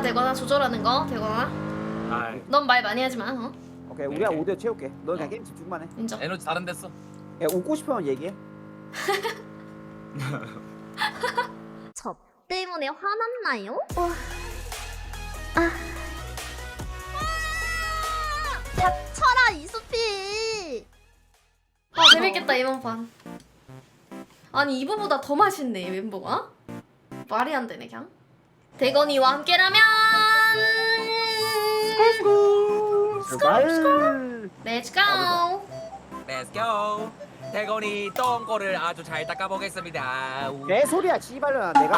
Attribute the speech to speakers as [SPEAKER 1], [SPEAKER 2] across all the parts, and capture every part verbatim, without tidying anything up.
[SPEAKER 1] 되거나 조절하는 거 되거나.
[SPEAKER 2] 아,
[SPEAKER 1] 넌 말 많이 하지 마. 어?
[SPEAKER 3] 오케이 우리가
[SPEAKER 2] 네.
[SPEAKER 3] 오 대 채울게. 넌 그냥
[SPEAKER 2] 어.
[SPEAKER 3] 게임 집중만 해.
[SPEAKER 1] 인정.
[SPEAKER 4] 에너지 다른 데써.
[SPEAKER 3] 야 웃고 싶으면 얘기해.
[SPEAKER 1] 저 때문에 화났나요? 와. 아. 닥쳐라 이수피. 아 재밌겠다 이번 판. 아니 이거보다 더 맛있네 멤버가. 말이 안 되네 그냥. 대건이와 함께라면.
[SPEAKER 3] 출발.
[SPEAKER 1] Let's go.
[SPEAKER 4] Let's go. 대건이 똥꼬를 아주 잘 닦아보겠습니다. 우.
[SPEAKER 3] 개 소리야 씨발려나 내가.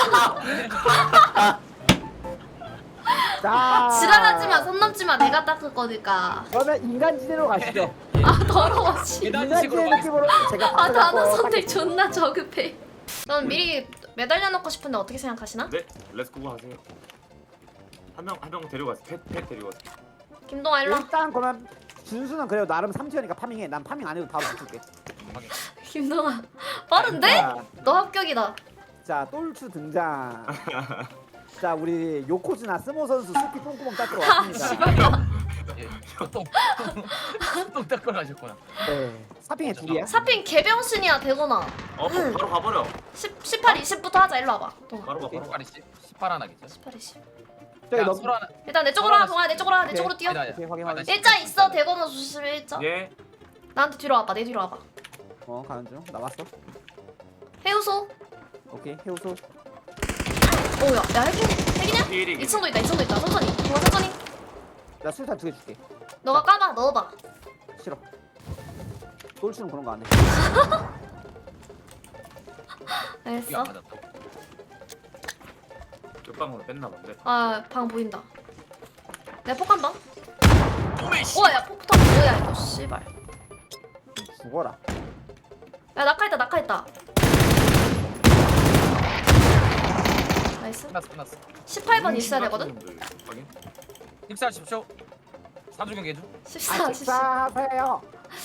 [SPEAKER 3] 자.
[SPEAKER 1] 지랄하지 마, 손 넘지 마. 내가 닦을 거니까.
[SPEAKER 3] 그러면 인간지대로 가시죠.
[SPEAKER 1] 아 더러워 씨.
[SPEAKER 4] 계단식으로
[SPEAKER 3] 인간지대 느낌으로 제가
[SPEAKER 1] 아
[SPEAKER 3] 밥을
[SPEAKER 1] 단어
[SPEAKER 3] 먹고
[SPEAKER 1] 선택 존나 저급해. 전 미리 매달려 놓고 싶은데 어떻게 생각하시나?
[SPEAKER 2] 네, 렛츠고 하세요. 한 명 한 명 데려가세요. 펫, 펫 데려가세요.
[SPEAKER 1] 김동아 일로 와.
[SPEAKER 3] 일단 그러면 준수는 그래도 나름 삼 티어니까 파밍해. 난 파밍 안 해도 바로 붙을게.
[SPEAKER 1] 김동아 빠른데?
[SPEAKER 3] 자,
[SPEAKER 1] 너 합격이다.
[SPEAKER 3] 자 똘추 등장. 자 우리 요코즈나 스모 선수 스피 똥구멍 닦으러 왔습니다.
[SPEAKER 4] 똥. 똥 닦으러 가셨구나.
[SPEAKER 3] 네. 사핑에 둘이야.
[SPEAKER 1] 사핑 개병신이야 대건아.
[SPEAKER 2] 어, 바로 가버려.
[SPEAKER 1] 십, 십팔, 이십부터 하자. 일로 와봐. 동아.
[SPEAKER 2] 바로 가, 바로 가.
[SPEAKER 4] 십팔이 십팔 하나겠죠?
[SPEAKER 1] 십팔, 이십.
[SPEAKER 3] 저기
[SPEAKER 4] 야,
[SPEAKER 3] 너
[SPEAKER 4] 소라 하나.
[SPEAKER 1] 일단 내 쪽으로 와. 동아 내 쪽으로 와. 내 쪽으로 뛰어.
[SPEAKER 4] 아니다, 아니다.
[SPEAKER 3] 오케이, 확인, 확인.
[SPEAKER 4] 아니다,
[SPEAKER 1] 일자 있어. 대건아 조심해 일자.
[SPEAKER 2] 예.
[SPEAKER 1] 나한테 뒤로 와봐. 내 뒤로 와봐.
[SPEAKER 3] 어 가는 중. 나왔어.
[SPEAKER 1] 해우소.
[SPEAKER 3] 오케이 해우소.
[SPEAKER 1] 오야. 야 핵인 핵이냐?
[SPEAKER 2] 피일이.
[SPEAKER 1] 이 층도 있다. 이 층도 있다. 천천히. 동아 천천히.
[SPEAKER 3] 나 술탄 두 개 줄게.
[SPEAKER 1] 너가 까봐. 넣어봐.
[SPEAKER 3] 싫어. 똘추는 그런 거 안 해.
[SPEAKER 4] 이게
[SPEAKER 1] 알겠어.
[SPEAKER 4] 안 맞았다.
[SPEAKER 2] 옆방으로 뺐나 본데.
[SPEAKER 1] 아 방 보인다. 내가 폭한 방.
[SPEAKER 4] 오메 씨.
[SPEAKER 1] 우와 야 폭탄 뭐야 이거 씨발.
[SPEAKER 3] 죽어라.
[SPEAKER 1] 야 낙하했다 낙하했다. 나이스.
[SPEAKER 4] 끝났어 끝났어.
[SPEAKER 1] 십팔 번 있어야 되거든.
[SPEAKER 2] 확인.
[SPEAKER 4] 식사하십시오. 사주 경계 중.
[SPEAKER 1] 십사,
[SPEAKER 3] 아
[SPEAKER 1] 십사.
[SPEAKER 3] 식사하세요.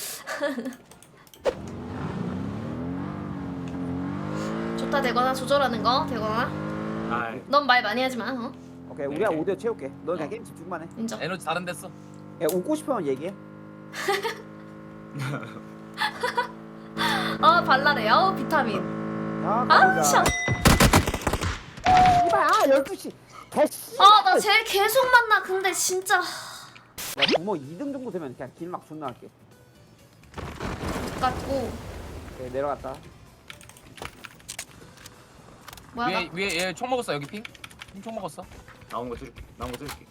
[SPEAKER 1] 좋다 되거나 조절하는 거 되거나.
[SPEAKER 2] 아,
[SPEAKER 1] 넌 말 많이 하지 마. 어?
[SPEAKER 3] 오케이 우리가
[SPEAKER 2] 네.
[SPEAKER 3] 오 대 채울게. 넌 그냥
[SPEAKER 4] 어.
[SPEAKER 3] 게임 집중만 해.
[SPEAKER 1] 인정.
[SPEAKER 4] 에너지 다른 데써.
[SPEAKER 3] 야 웃고 싶으면 얘기해.
[SPEAKER 1] 아 발랄해. 아우 비타민.
[SPEAKER 3] 자
[SPEAKER 1] 아
[SPEAKER 3] 가보자.
[SPEAKER 1] 참.
[SPEAKER 3] 이봐 아 열두 시. 개씨.
[SPEAKER 1] 아나 쟤 계속 만나. 근데 진짜.
[SPEAKER 3] 야 구멍 이 등 정도 되면 그냥 길막 존나 할게.
[SPEAKER 1] 같고.
[SPEAKER 3] 오케이 내려갔다.
[SPEAKER 1] 뭐야 나.
[SPEAKER 4] 위에 위에 얘 총 먹었어 여기 핑. 핑총 먹었어.
[SPEAKER 2] 나온 거 줄게. 나온 거 줄게.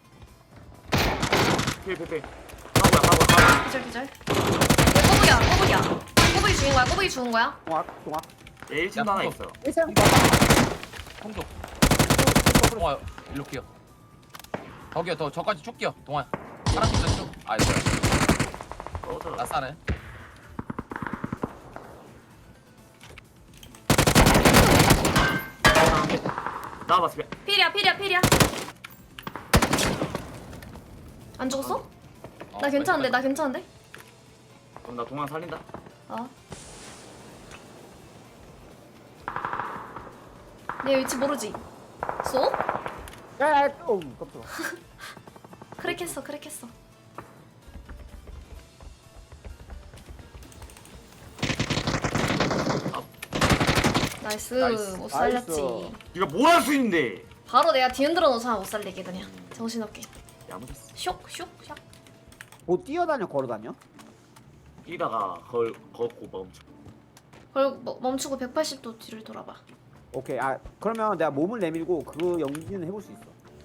[SPEAKER 2] 필, 필, 필. 바보야, 바보야, 바보야.
[SPEAKER 1] 기절 기절. 꼬부기야 꼬부기야. 꼬부기 죽인 거야. 꼬부기 죽은 거야.
[SPEAKER 3] 동학 동학.
[SPEAKER 2] 얘 일 층도 하나
[SPEAKER 4] 야,
[SPEAKER 2] 있어.
[SPEAKER 3] 일상.
[SPEAKER 4] 총도. 동아 일로 끼어. 거기요 더 저까지 쭉 끼어. 동아. 사람 있어 쭉. 아 이거.
[SPEAKER 2] 꺼져라.
[SPEAKER 4] 나 싸네.
[SPEAKER 2] 나와봤어.
[SPEAKER 1] 필이야 필이야 필이야. 안 죽었어?
[SPEAKER 4] 어,
[SPEAKER 1] 나 괜찮은데
[SPEAKER 4] 빨리,
[SPEAKER 1] 나 괜찮은데?
[SPEAKER 2] 그럼 나 동안 살린다.
[SPEAKER 1] 어. 내 위치 모르지? 쏘?
[SPEAKER 3] 야야 어 깜짝아.
[SPEAKER 1] 크랙했어 크랙했어. 나이스,
[SPEAKER 4] 나이스.
[SPEAKER 1] 못 살렸지.
[SPEAKER 3] 나이스.
[SPEAKER 2] 네가 뭘 할 수 있는데?
[SPEAKER 1] 바로 내가 뒤흔들어 놓잖아 못 살리게 그냥. 정신없게.
[SPEAKER 2] 야무졌어.
[SPEAKER 1] 쇽 쇽 쇽.
[SPEAKER 3] 뭐 뛰어다녀 걸어다녀?
[SPEAKER 2] 뛰다가 걸 걷고 멈춰.
[SPEAKER 1] 그리고 뭐, 멈추고 백팔십 도 뒤를 돌아봐.
[SPEAKER 3] 오케이 아 그러면 내가 몸을 내밀고 그 연기는 해볼 수 있어.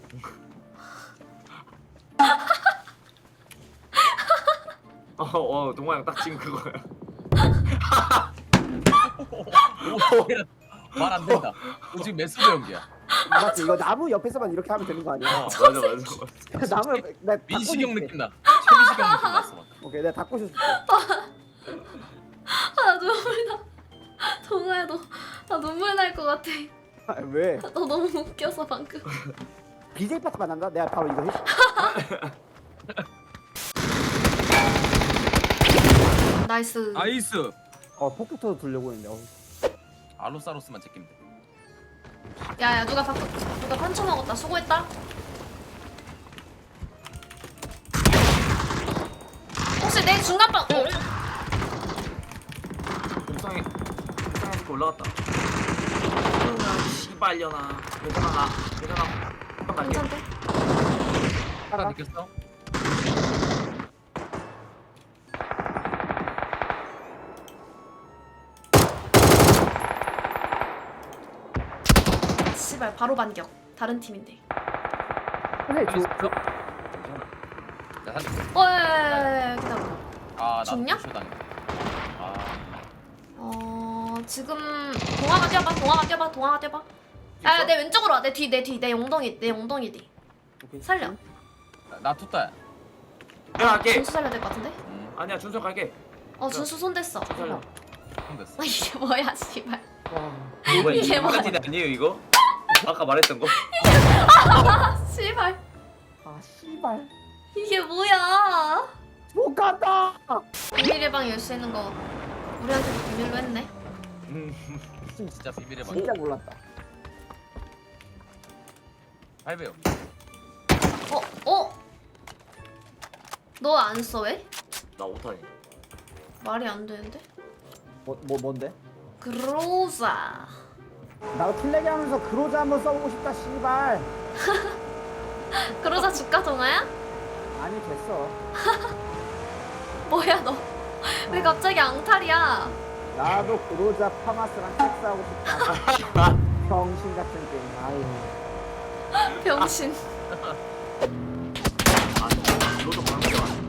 [SPEAKER 2] 어, 어, 동아 형 딱 지금 그거야.
[SPEAKER 4] 말 안 된다. 너 지금 메스드 연기야.
[SPEAKER 3] 맞지 이거 나무 옆에서만 이렇게 하면 되는 거 아니야?
[SPEAKER 2] 어, 맞아, 맞아, 맞아.
[SPEAKER 3] 나무 옆에 나
[SPEAKER 4] 민식형
[SPEAKER 3] 닦고
[SPEAKER 4] 느낌 나. 최민식형 느낌 났어. 막.
[SPEAKER 3] 있을게. 오케이 내가 닦고 있을게.
[SPEAKER 1] 아 눈물 나. 동아야 너, 나 눈물 날 것 같아.
[SPEAKER 3] 아, 왜?
[SPEAKER 1] 너 너무 웃겨서 방금.
[SPEAKER 3] 비제이 파트 만난다? 내가 바로 이거 해.
[SPEAKER 1] 나이스.
[SPEAKER 4] 나이스.
[SPEAKER 3] 어 폭격터도 들려고 했는데. 어.
[SPEAKER 4] 알로사로스만 제끼면 돼.
[SPEAKER 1] 야야 누가 바, 누가 판쳐 먹었다. 수고했다. 혹시 내 중간방 어?
[SPEAKER 2] 옥상에 옥상에 올라갔다. 씨발려나. 괜찮아 나. 괜찮아. 한번 갈게.
[SPEAKER 1] 괜찮대?
[SPEAKER 4] 하나 느꼈어?
[SPEAKER 1] 씨발 바로 반격. 다른 팀인데.
[SPEAKER 3] 근데
[SPEAKER 4] 살릴 수
[SPEAKER 3] 저
[SPEAKER 4] 있어? 괜찮아. 나 살릴게.
[SPEAKER 1] 어, 야야야야 기다려.
[SPEAKER 4] 아, 나도
[SPEAKER 1] 죽냐?
[SPEAKER 4] 부셔 당했네. 아,
[SPEAKER 1] 어 지금 동화가 뛰어봐. 동화가 뛰어봐. 동화가 뛰어봐. 야 내 왼쪽으로 와. 내 뒤 내 뒤 내 엉덩이 내 엉덩이 뒤.
[SPEAKER 3] 오케이.
[SPEAKER 1] 살려.
[SPEAKER 4] 나, 나 투따야.
[SPEAKER 2] 내가 갈게.
[SPEAKER 1] 준수 살려야 될 것 같은데?
[SPEAKER 4] 음,
[SPEAKER 2] 아니야 준석 갈게.
[SPEAKER 1] 어 준수 손 댔어.
[SPEAKER 2] 살려.
[SPEAKER 4] 손 됐어.
[SPEAKER 1] 아 이게 뭐야 씨발.
[SPEAKER 2] 이거
[SPEAKER 1] 이게 뭐야?
[SPEAKER 2] 인간티네 아니에요 이거? 아까 말했던 거?
[SPEAKER 1] 아 씨발.
[SPEAKER 3] 아 씨발
[SPEAKER 1] 이게 뭐야?
[SPEAKER 3] 못 간다.
[SPEAKER 1] 비밀의 방 열 수 있는 거 우리한테도 비밀로 했네.
[SPEAKER 2] 음.
[SPEAKER 4] 진짜 비밀의 방.
[SPEAKER 3] 진짜 몰랐다.
[SPEAKER 4] 팔 배요.
[SPEAKER 1] 어? 어? 너 안 써 왜?
[SPEAKER 2] 나 오타니.
[SPEAKER 1] 말이 안 되는데?
[SPEAKER 3] 뭐, 뭐 뭔데?
[SPEAKER 1] 그로자.
[SPEAKER 3] 나도 킬레기 하면서 그로자 한번 써보고 싶다 씨발.
[SPEAKER 1] 그로자 주가 동아야?
[SPEAKER 3] 아니 됐어.
[SPEAKER 1] 뭐야 너? 왜 갑자기 앙탈이야?
[SPEAKER 3] 나도 그로자 파마스랑 섹스하고 싶다. 병신 같은 게임. 아유.
[SPEAKER 1] 병신.
[SPEAKER 2] 아 너도 방금 와.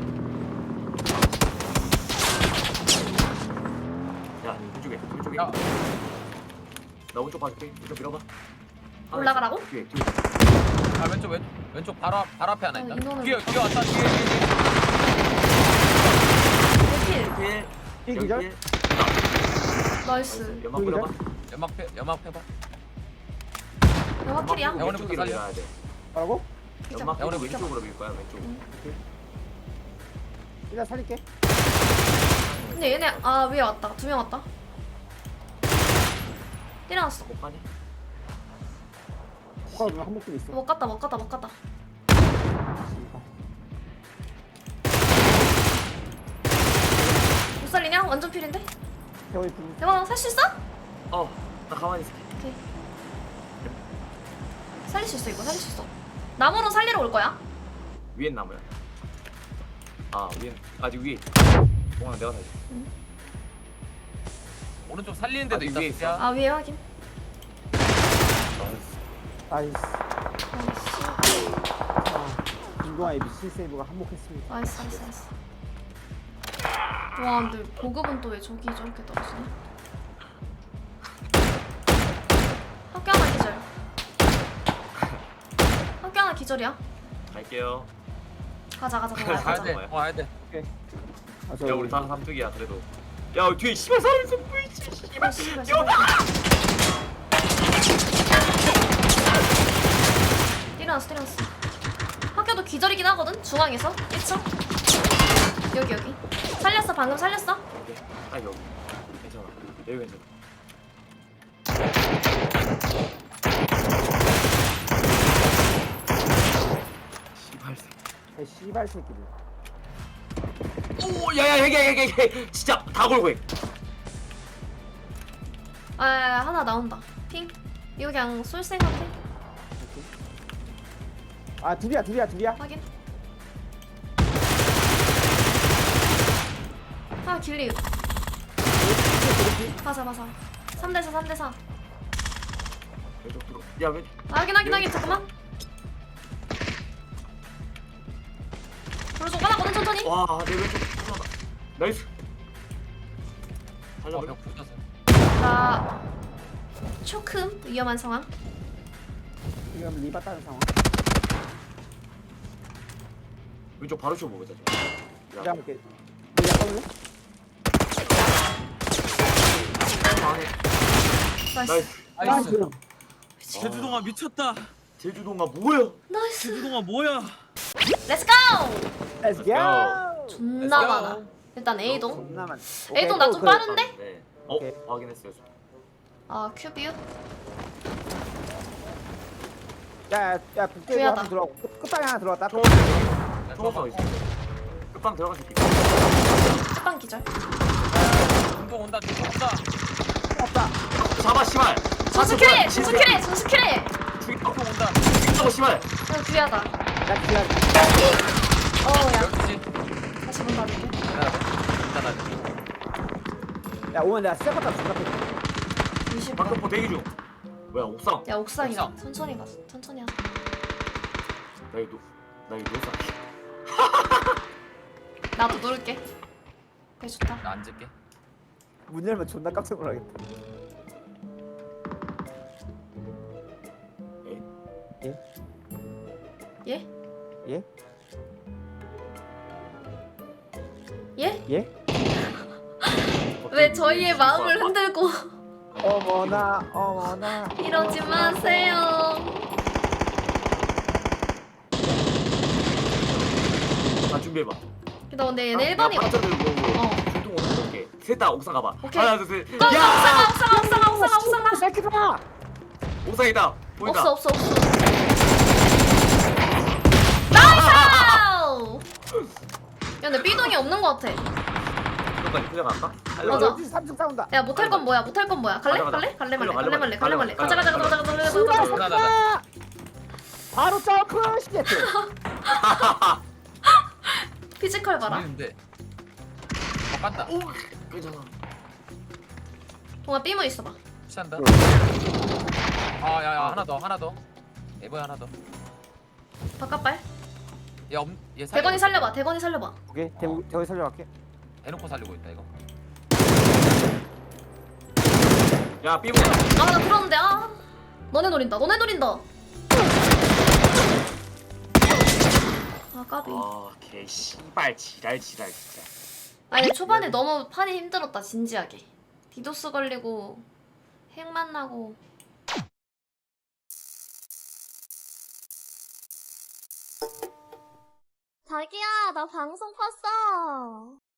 [SPEAKER 2] 야 이쪽에 이쪽에.
[SPEAKER 4] 야,
[SPEAKER 2] 나 오른쪽 봐줄게. 이쪽 밀어봐. 하나
[SPEAKER 1] 올라가라고?
[SPEAKER 2] 있어. 뒤에 뒤에.
[SPEAKER 4] 아 왼쪽 왼 왼쪽 바로 앞 바로 앞에 하나
[SPEAKER 1] 어,
[SPEAKER 4] 있다.
[SPEAKER 1] 이놈을
[SPEAKER 4] 뒤에 뒤에 왔다 뒤에 뒤에.
[SPEAKER 1] 킬.
[SPEAKER 2] 필.
[SPEAKER 3] 필
[SPEAKER 2] 여기
[SPEAKER 3] 기절?
[SPEAKER 2] 필.
[SPEAKER 1] 나이스.
[SPEAKER 2] 연막
[SPEAKER 3] 여기다?
[SPEAKER 2] 뿌려봐.
[SPEAKER 4] 연막 패 연막 패봐.
[SPEAKER 1] 영화 킬이야?
[SPEAKER 2] 연막
[SPEAKER 4] 영원히
[SPEAKER 2] 왼쪽으로
[SPEAKER 4] 살려.
[SPEAKER 2] 밀어야 돼.
[SPEAKER 3] 뭐라고?
[SPEAKER 1] 피자.
[SPEAKER 2] 연막
[SPEAKER 4] 영원히
[SPEAKER 2] 뿌리고 왼쪽으로 밀 거야 왼쪽.
[SPEAKER 3] 일단 살릴게.
[SPEAKER 1] 근데 얘네 아 위에 왔다. 두 명 왔다. 때려놨어.
[SPEAKER 2] 못 가니?
[SPEAKER 3] 호가 누나 한목도 있어.
[SPEAKER 1] 못 갔다 못 갔다 못 갔다.
[SPEAKER 3] 씨발.
[SPEAKER 1] 못 살리냐? 완전 필인데?
[SPEAKER 3] 태호이 분.
[SPEAKER 1] 대박 살 수 있어?
[SPEAKER 2] 어. 나 가만히 있을게.
[SPEAKER 1] 오케이. 살릴 수 있어 이거 살릴 수 있어. 나무로 살리러 올 거야?
[SPEAKER 2] 위엔 나무야. 아 위엔 아직 위에. 동안 내가 살게.
[SPEAKER 4] 오른쪽 살리는 데도
[SPEAKER 2] 아직
[SPEAKER 4] 있다.
[SPEAKER 2] 위에
[SPEAKER 4] 진짜.
[SPEAKER 1] 아 위에 확인.
[SPEAKER 3] 나이스.
[SPEAKER 1] 나이스
[SPEAKER 3] 자, 김동아의 미친 세이브가 한몫했습니다.
[SPEAKER 1] 나이스 나이스 나이스. 와 근데 보급은 또 왜 저기 저렇게 떨어지냐? 학교 하나 기절. 학교 하나 기절이야.
[SPEAKER 2] 갈게요.
[SPEAKER 1] 가자 가자 가자
[SPEAKER 4] 가야
[SPEAKER 1] 가자.
[SPEAKER 4] 돼. 어 가야 돼.
[SPEAKER 3] 아, 저
[SPEAKER 2] 야 우리 다 삼뚝이야 그래도. 야 뒤에 씨발 사람 있어 보이지?
[SPEAKER 1] 아,
[SPEAKER 2] 씨발.
[SPEAKER 1] 씨발,
[SPEAKER 2] 뛰어봐.
[SPEAKER 1] 때려놨어 때려놨어. 학교도 기절이긴 하거든. 중앙에서 일 층. 여기 여기. 살렸어 방금 살렸어.
[SPEAKER 2] 오케이. 딱 여기. 괜찮아. 여기 괜찮아. 씨발.
[SPEAKER 3] 이 씨발 새끼들.
[SPEAKER 2] 오 야야 여기 여기 여기 진짜 다 걸고 해.
[SPEAKER 1] 아 하나 나온다. 핑. 이거 그냥 쏠 생각해.
[SPEAKER 3] 오케이. 아 둘이야 둘이야 둘이야.
[SPEAKER 1] 확인. 아 길리. 가자 가자. 삼 대 사 삼 대 사.
[SPEAKER 2] 왼쪽 들어. 야 왼.
[SPEAKER 1] 아, 확인 확인 확인 잠깐만. 오른쪽 까놨거든 천천히.
[SPEAKER 2] 와내 왼쪽 들어가. 나이스.
[SPEAKER 4] 어,
[SPEAKER 2] 살려버려.
[SPEAKER 4] 벽 붙었어.
[SPEAKER 1] 나 조금 위험한 상황.
[SPEAKER 3] 지금 리바 따는 상황.
[SPEAKER 2] 왼쪽 바로 쇼 보자.
[SPEAKER 3] 내가 볼게. 내가 꺼볼래?
[SPEAKER 2] 안에.
[SPEAKER 1] 나이스.
[SPEAKER 2] 나이스.
[SPEAKER 4] 나이스.
[SPEAKER 5] 제주동아 미쳤다.
[SPEAKER 2] 제주도가 뭐야?
[SPEAKER 1] 나이스.
[SPEAKER 5] 제주동아 뭐야?
[SPEAKER 1] 렛츠 고.
[SPEAKER 3] Let's go.
[SPEAKER 1] 존나
[SPEAKER 4] Let's go.
[SPEAKER 1] 많아. 일단 A동.
[SPEAKER 3] 존나만.
[SPEAKER 1] A동 나 좀 빠른데?
[SPEAKER 2] 네. 어
[SPEAKER 3] 오케이.
[SPEAKER 2] 확인했어요.
[SPEAKER 1] 아 큐비유.
[SPEAKER 3] 야야 북대도
[SPEAKER 1] 주야다.
[SPEAKER 3] 한번 들어가고 끝- 끝방에 하나 들어갔다.
[SPEAKER 2] 총
[SPEAKER 4] 야,
[SPEAKER 2] 총
[SPEAKER 4] 들어가.
[SPEAKER 2] 없어 있어. 끝방 들어가 줄게.
[SPEAKER 1] 끝방 기절.
[SPEAKER 4] 중동 온다 중동 온다.
[SPEAKER 3] 없다.
[SPEAKER 2] 잡아 씨발.
[SPEAKER 1] 준수 킬해! 준수 킬해! 준수 킬해!
[SPEAKER 2] 죽여.
[SPEAKER 4] 중동 온다.
[SPEAKER 2] 죽여 씨발.
[SPEAKER 1] 어, 귀하다.
[SPEAKER 3] 야 기다려.
[SPEAKER 1] 어우야.
[SPEAKER 4] 열두 시.
[SPEAKER 1] 다시 문 닫을게.
[SPEAKER 4] 기다려. 기다려.
[SPEAKER 3] 야 오면 내가 시작부터 중갑해.
[SPEAKER 1] 이십 분.
[SPEAKER 2] 방금포 대기 중. 뭐야 옥상.
[SPEAKER 1] 야, 옥상이다.
[SPEAKER 4] 옥상.
[SPEAKER 1] 천천히 가. 천천히 하자.
[SPEAKER 2] 나 이거 나 이거 노상.
[SPEAKER 1] 나도 놀게. 그래, 좋다.
[SPEAKER 4] 나 앉을게.
[SPEAKER 3] 문 열면 존나 깜짝 놀라겠다.
[SPEAKER 1] 예?
[SPEAKER 3] 예?
[SPEAKER 1] 예?
[SPEAKER 3] 예?
[SPEAKER 1] 왜 저희의 마음을 흔들고
[SPEAKER 3] 어머나 어머나.
[SPEAKER 1] 이러지 마세요.
[SPEAKER 2] 다 준비해봐.
[SPEAKER 1] 나 근데 얘네 일 번이
[SPEAKER 2] 파트 들고
[SPEAKER 1] 어.
[SPEAKER 2] 중동 오는 거게. 셋다 옥상 가봐.
[SPEAKER 1] 오케이.
[SPEAKER 2] 하나 둘 셋.
[SPEAKER 1] 고! 옥상아 옥상아 옥상아 옥상아 옥상아
[SPEAKER 3] 새끼들아.
[SPEAKER 2] 옥상이다. 보인다.
[SPEAKER 1] 없어 없어 없어. 나이스! 야 근데 B동이 없는 것 같아.
[SPEAKER 2] 끝까지 그냥 갈까?
[SPEAKER 1] 맞아.
[SPEAKER 3] 열두 시 삼 층 싸운다.
[SPEAKER 1] 야 못할 건 뭐야 못할 건 뭐야 갈래?
[SPEAKER 2] 가자, 가자.
[SPEAKER 1] 갈래? 갈래 말래
[SPEAKER 2] 가자,
[SPEAKER 1] 갈래 말래 갈래 말래
[SPEAKER 2] 가자,
[SPEAKER 1] 가자 가자
[SPEAKER 2] 가자,
[SPEAKER 1] 가자 가자 가자 가자 가자
[SPEAKER 3] 씨발
[SPEAKER 1] 가자
[SPEAKER 4] 가자.
[SPEAKER 3] 새끼야. 바로 점프 시겠지.
[SPEAKER 1] 피지컬 봐라.
[SPEAKER 4] 들리는데. 어 깐다.
[SPEAKER 2] 오, 괜찮아.
[SPEAKER 1] 동아 B문 있어봐.
[SPEAKER 4] 피한다. 아야야 하나 더 하나 더. 에버야 하나 더.
[SPEAKER 1] 바깥발.
[SPEAKER 4] 야, 엄, 얘 살리고
[SPEAKER 1] 대건이
[SPEAKER 4] 있어.
[SPEAKER 1] 살려봐 대건이 살려봐.
[SPEAKER 3] 오케이 대우 대우 살려갈게.
[SPEAKER 4] 대놓고 살리고 있다 이거.
[SPEAKER 2] 야, 삐부야.
[SPEAKER 1] 아 나 들었는데 아 너네 노린다 너네 노린다. 아 까비.
[SPEAKER 2] 아, 개 씨발 지랄 지랄 진짜.
[SPEAKER 1] 아니 초반에 너무 판이 힘들었다 진지하게. 디도스 걸리고 핵 만나고. 자기야 나 방송 봤어.